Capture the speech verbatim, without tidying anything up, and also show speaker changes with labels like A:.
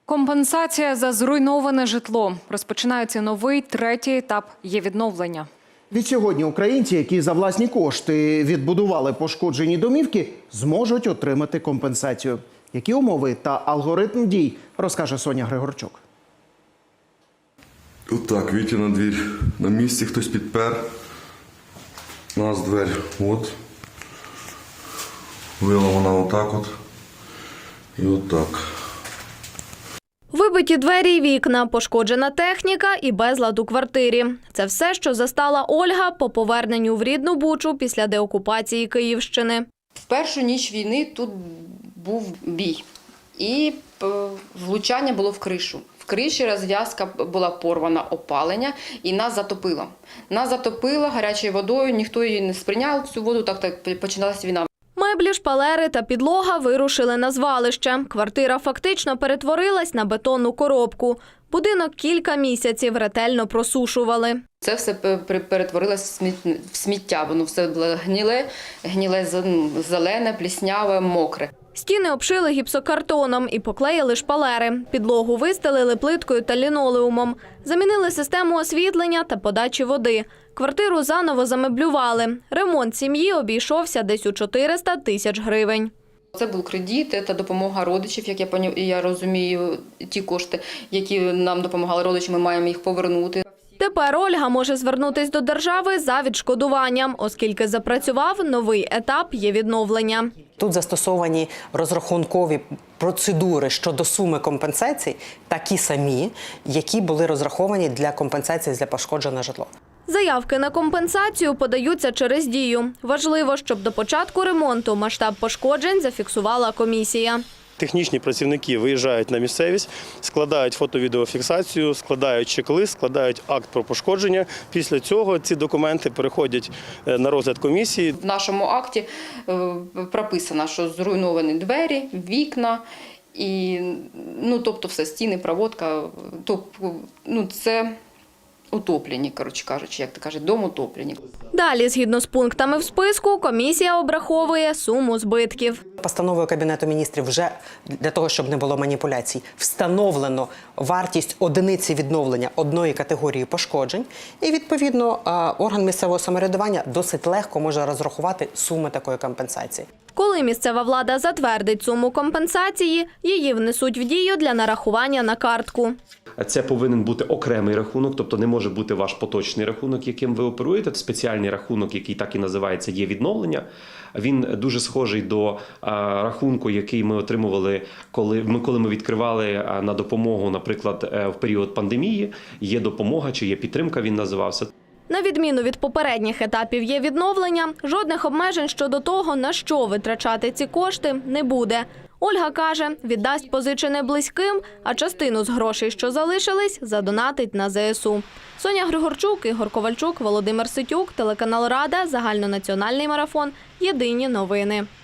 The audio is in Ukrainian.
A: Компенсація за зруйноване житло. Розпочинається новий, третій етап є-відновлення.
B: Відсьогодні українці, які за власні кошти відбудували пошкоджені домівки, зможуть отримати компенсацію. Які умови та алгоритм дій, розкаже Соня Григорчук.
C: Отак, Вітя на двір. На місці хтось підпер. У нас двері. От. Вила вона отак от. І отак.
D: Вибиті двері й вікна, пошкоджена техніка і безлад у квартирі. Це все, що застала Ольга по поверненню в рідну Бучу після деокупації Київщини.
E: В першу ніч війни тут був бій. І влучання було в кришу. В криші розв'язка була порвана, опалення, і нас затопило. Нас затопило гарячою водою, ніхто її не сприйняв, цю воду, так, так починалася війна.
D: Меблі, шпалери та підлога вирушили на звалище. Квартира фактично перетворилась на бетонну коробку. Будинок кілька місяців ретельно просушували.
E: Це все перетворилось в сміття, воно все було гніле, гніле зелене, плісняве, мокре.
D: Стіни обшили гіпсокартоном і поклеїли шпалери. Підлогу вистелили плиткою та лінолеумом. Замінили систему освітлення та подачі води. Квартиру заново замеблювали. Ремонт сім'ї обійшовся десь у чотириста тисяч гривень.
E: Це був кредит та допомога родичів, як я, я розумію, ті кошти, які нам допомагали родичі, ми маємо їх повернути.
D: Тепер Ольга може звернутися до держави за відшкодуванням, оскільки запрацював новий етап є-відновлення.
F: Тут застосовані розрахункові процедури щодо суми компенсацій, такі самі, які були розраховані для компенсації за пошкоджене житло.
D: Заявки на компенсацію подаються через Дію. Важливо, щоб до початку ремонту масштаб пошкоджень зафіксувала комісія.
G: Технічні працівники виїжджають на місцевість, складають фото-відеофіксацію, складають чек-лист, складають акт про пошкодження. Після цього ці документи переходять на розгляд комісії.
E: В нашому акті прописано, що зруйновані двері, вікна, і, ну, тобто все, стіни, проводка, тобто, ну, це утоплені, коротше кажучи, як то кажуть, дом утоплені.
D: Далі, згідно з пунктами в списку, комісія обраховує суму збитків.
F: Постановою Кабінету міністрів вже, для того, щоб не було маніпуляцій, встановлено вартість одиниці відновлення одної категорії пошкоджень. І, відповідно, орган місцевого самоврядування досить легко може розрахувати суми такої компенсації.
D: Коли місцева влада затвердить суму компенсації, її внесуть в дію для нарахування на картку.
H: Це повинен бути окремий рахунок, тобто не може бути ваш поточний рахунок, яким ви оперуєте. Спеціальний рахунок, який так і називається, є відновлення. Він дуже схожий до рахунку, який ми отримували, коли ми, коли ми відкривали на допомогу, наприклад, в період пандемії. Є допомога чи є підтримка, він називався.
D: На відміну від попередніх етапів є-відновлення, жодних обмежень щодо того, на що витрачати ці кошти, не буде. Ольга каже, віддасть позичене близьким, а частину з грошей, що залишились, задонатить на зе ес у. Соня Григорчук, Ігор Ковальчук, Володимир Ситюк, телеканал Рада, загальнонаціональний марафон, єдині новини.